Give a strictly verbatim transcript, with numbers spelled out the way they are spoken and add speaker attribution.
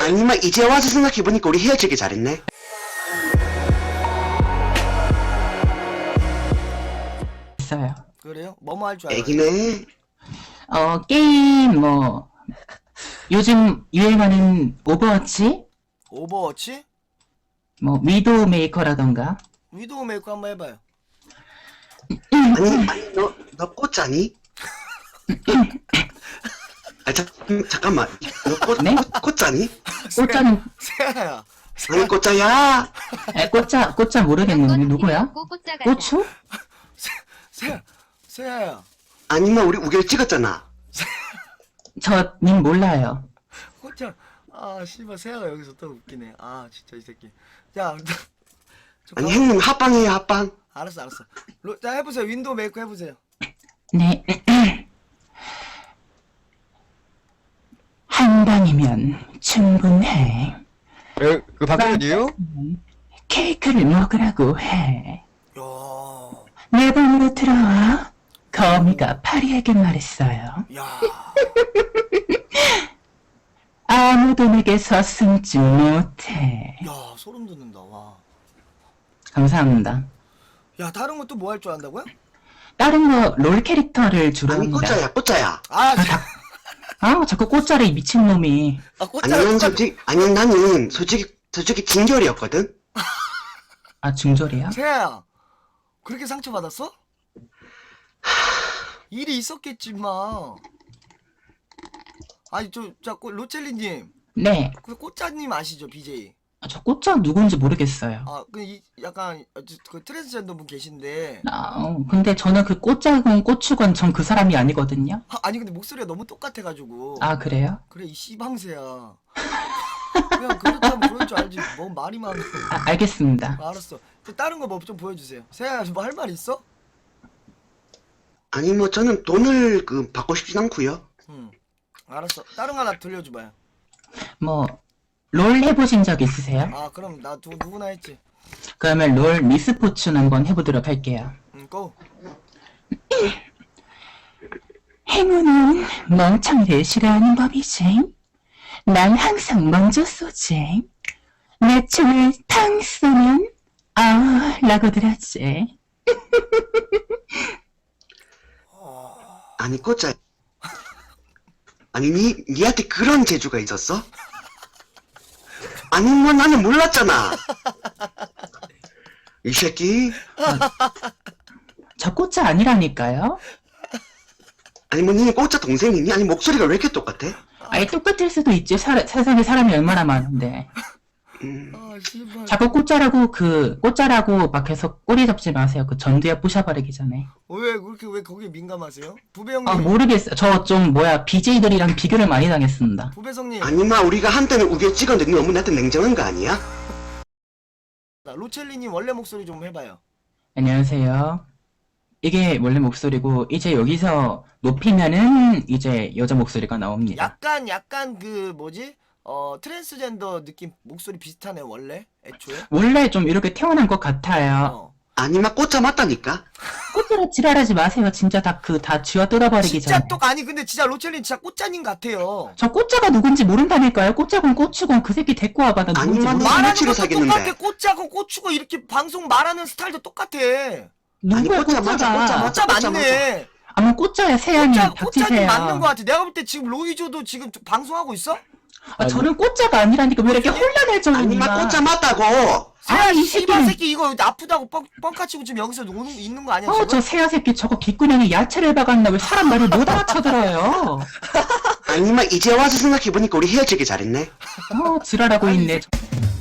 Speaker 1: 아니면 이제 와서 생각해보니까 우리 헤어지길 잘했네.
Speaker 2: 있어요.
Speaker 3: 그래요? 뭐뭐 할 줄 알아요?
Speaker 1: 애기네.
Speaker 2: 어, 게임, 뭐, 요즘 유행하는 오버워치?
Speaker 3: 오버워치?
Speaker 2: 뭐, 위도우 메이커라던가.
Speaker 3: 위도우 메이커 한번 해봐요.
Speaker 1: 아니, 아니, 너, 너 꽃자니? 아, 자, 음, 잠깐만. 너 꽃,
Speaker 2: 네?
Speaker 1: 꽃, 꽃자니?
Speaker 2: 꽃자는,
Speaker 3: 세아야.
Speaker 1: 아니, 꽃자야.
Speaker 2: 에, 꽃자, 꽃자 모르겠는데, 누구야? 고추?
Speaker 3: 세아, 세아야.
Speaker 1: 아니면 우리 우결 찍었잖아.
Speaker 2: 저, 님 몰라요.
Speaker 3: 호텔. 아, 씨발 세아가 여기서 또 웃기네. 아, 진짜 이 새끼. 야, 저
Speaker 1: 아니,
Speaker 3: 가-
Speaker 1: 형님 합방이에요, 합방.
Speaker 3: 알았어, 알았어. 로, 자, 해보세요. 윈도우 메이커 해보세요.
Speaker 2: 네. 한 방이면 충분해.
Speaker 4: 에, 그 박근혜요?
Speaker 2: 케이크를 먹으라고 해.
Speaker 3: 야,
Speaker 2: 내 방으로 들어와. 거미가 파리에게 말했어요.
Speaker 3: 야.
Speaker 2: 아무도 내게서 숨지 못해.
Speaker 3: 야, 소름 돋는다. 와.
Speaker 2: 감사합니다.
Speaker 3: 야, 다른 것도 뭐 할 줄 안다고요?
Speaker 2: 다른 거 롤 캐릭터를 주로
Speaker 1: 아니,
Speaker 2: 합니다.
Speaker 1: 꽃자야, 꽃자야.
Speaker 3: 아,
Speaker 2: 아, 자꾸 꽃자리 미친놈이.
Speaker 3: 아 꽃자랑
Speaker 1: 아니면
Speaker 3: 똑같-
Speaker 1: 솔직히, 아니, 나는 솔직히, 솔직히 진결이었거든?
Speaker 2: 아, 중졸이야?
Speaker 3: 세아야. 그렇게 상처받았어? 일이 있었겠지만. 아니, 저, 자, 꽃- 로첼리님.
Speaker 2: 네.
Speaker 3: 그 꽃자님 아시죠, 비제이?
Speaker 2: 아, 저 꽃자 누군지 모르겠어요.
Speaker 3: 아, 그, 이, 약간, 어, 저, 그 트랜스젠더 분 계신데.
Speaker 2: 아, 어, 근데 저는 그 꽃자건 꽃추건 전 그 사람이 아니거든요.
Speaker 3: 아, 아니, 근데 목소리가 너무 똑같아가지고.
Speaker 2: 아, 그래요?
Speaker 3: 그래, 이 씨방새야. 그냥 그렇다면 그럴 줄 알지. 뭐 말이 많아.
Speaker 2: 아, 알겠습니다.
Speaker 3: 아, 알았어. 또 다른 거 뭐 좀 보여주세요. 세아야, 뭐 할 말 있어?
Speaker 1: 아니, 뭐, 저는 돈을, 그, 받고 싶진 않고요.
Speaker 3: 응. 알았어. 다른 거 하나 들려줘봐요.
Speaker 2: 뭐, 롤 해보신 적 있으세요?
Speaker 3: 아, 그럼 나 두, 누구나 했지.
Speaker 2: 그러면 롤 미스포춘 한번 해보도록 할게요.
Speaker 3: 응, 고.
Speaker 2: 행운은 멍청이를 싫어하는 법이지. 난 항상 먼저 쏘지. 내 총을 탕 쏘면 아 라고들 하지.
Speaker 1: 아니, 꽃자야. 아니, 니, 니한테 그런 재주가 있었어? 아니, 뭐, 나는 몰랐잖아. 이 새끼.
Speaker 2: 저 꽃자 아니라니까요.
Speaker 1: 아니, 뭐, 니는 꽃자 동생이니? 아니, 목소리가 왜 이렇게 똑같아?
Speaker 2: 아니 똑같을 수도 있지. 사, 세상에 사람이 얼마나 많은데.
Speaker 1: 음,
Speaker 3: 아, 씨발.
Speaker 2: 자꾸 꽃자라고 그 꽃자라고 막 계속 꼬리 잡지 마세요. 그 전두엽 부셔버리기 전에.
Speaker 3: 어, 왜 그렇게 왜 거기에 민감하세요? 부배 형님.
Speaker 2: 아 모르겠어요. 저 좀 뭐야 비제이들이랑 비교를 많이 당했습니다.
Speaker 3: 부배성님.
Speaker 1: 아니마, 우리가 한때는 우겨 찍었는데 니 너무 나한테 냉정한 거 아니야?
Speaker 3: 나 로첼리님 원래 목소리 좀 해봐요.
Speaker 2: 안녕하세요. 이게 원래 목소리고 이제 여기서 높이면은 이제 여자 목소리가 나옵니다.
Speaker 3: 약간 약간 그 뭐지? 어 트랜스젠더 느낌 목소리 비슷하네 원래 애초에.
Speaker 2: 원래 좀 이렇게 태어난 것 같아요.
Speaker 3: 어.
Speaker 1: 아니마, 꽃자 맞다니까?
Speaker 2: 꽃으로 지랄하지 마세요. 진짜 다 그 다 쥐어 뜯어버리기
Speaker 3: 진짜
Speaker 2: 전에.
Speaker 3: 똑 아니 근데 진짜 로첼린 진짜 꽃자님 같아요.
Speaker 2: 저 꽃자가 누군지 모른다니까요. 꽃자건 꽃추건 그 새끼 데리고 와봐. 나 누군지
Speaker 1: 아니면
Speaker 2: 모르...
Speaker 1: 말-
Speaker 3: 말하는
Speaker 1: 치고
Speaker 3: 것도
Speaker 1: 사귀는데.
Speaker 3: 똑같아. 꽃자고 꽃추고 이렇게 방송 말하는 스타일도 똑같아.
Speaker 1: 아니,
Speaker 2: 누구야
Speaker 1: 꽃자 맞아,
Speaker 2: 꽃자가?
Speaker 1: 꽃자
Speaker 3: 꽃자
Speaker 1: 맞아,
Speaker 3: 맞네.
Speaker 2: 아마 꽃자야 세양이
Speaker 3: 꽃자 꽃자님
Speaker 2: 닥치세요.
Speaker 3: 맞는 거 같아. 내가 볼 때 지금 로이조도 지금 방송하고 있어?
Speaker 2: 아, 저는 꽃자가 아니라니까 왜 이렇게 혼란할 정도냐.
Speaker 1: 아니마, 꽃자 맞다고!
Speaker 3: 세아
Speaker 2: 아, 이
Speaker 3: 씨발
Speaker 2: 새끼는-
Speaker 3: 새끼 이거 아프다고 뻥 뻥카치고 지금 여기서 오는 있는 거 아니야
Speaker 2: 어,
Speaker 3: 지금?
Speaker 2: 저 새야 새끼 저거 귓구녕에 야채를 박았나 왜 사람 말을 못 알아쳐들어요.
Speaker 1: 아니마, 이제 와서 생각해보니까 우리 헤어지길 잘했네.
Speaker 2: 어, 지랄하고
Speaker 3: 아니,
Speaker 2: 있네.
Speaker 3: 이